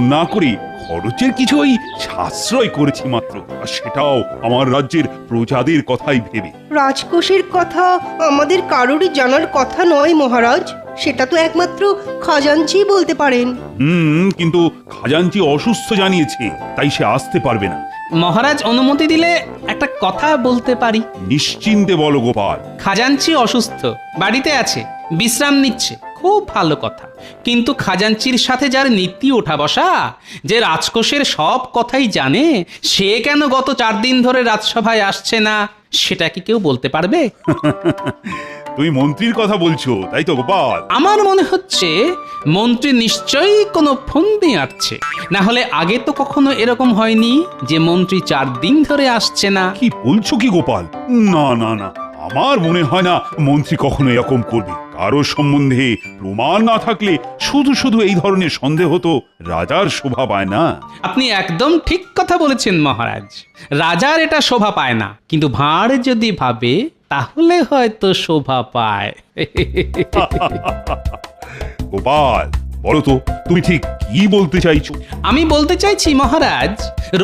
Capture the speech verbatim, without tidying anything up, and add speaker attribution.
Speaker 1: না করে খরচের কিছু ওই সাশ্রয় করেছি মাত্র, আর সেটাও আমার রাজ্যের প্রজাদের কথাই ভেবে।
Speaker 2: রাজকোষের কথা আমাদের কারোরই জানার কথা নয় মহারাজ, সেটা তো একমাত্র খাজাঞ্চি বলতে পারেন।
Speaker 1: হুম, কিন্তু খাজাঞ্চি অসুস্থ জানিয়েছে, তাই সে আসতে পারবে না।
Speaker 3: মহারাজ অনুমতি দিলে একটা কথা বলতে পারি।
Speaker 1: নিশ্চিন্তে বলো গোপাল।
Speaker 3: খাজাঞ্চি অসুস্থ, বাড়িতে আছে, বিশ্রাম নিচ্ছে, খুব ভালো কথা। কিন্তু খাজাঞ্চির সাথে যার নীতি ওঠা বসা, যে রাজকোষের সব কথাই জানে, সে কেন গত চার দিন ধরে রাজসভায় আসছে না, সেটা কি কেউ বলতে পারবে?
Speaker 1: তুমি মন্ত্রীর কথা বলছো, তাই তো গোপাল?
Speaker 3: আমার মনে হচ্ছে মন্ত্রী নিশ্চয়ই কোনো ফন্দি আঁটছে, না হলে আগে তো কখনো এরকম হয়নি যে মন্ত্রী চার দিন ধরে আসছে না।
Speaker 1: কি বলছো কি গোপাল? না না না, আমার মনে হয় না মন্ত্রী কখনো এরকম করবে। কারো সম্বন্ধে প্রমাণ না থাকলে শুধু শুধু এই ধরনের সন্দেহ তো রাজার শোভা পায় না।
Speaker 3: আপনি একদম ঠিক কথা বলেছেন মহারাজ, রাজার এটা শোভা পায় না, কিন্তু ভাঁড় যদি ভাবে তাহলে হয়তো শোভা পায়।
Speaker 1: গোপাল, বলো তো তুমি ঠিক কি বলতে চাইছো?
Speaker 3: আমি বলতে চাইছি মহারাজ,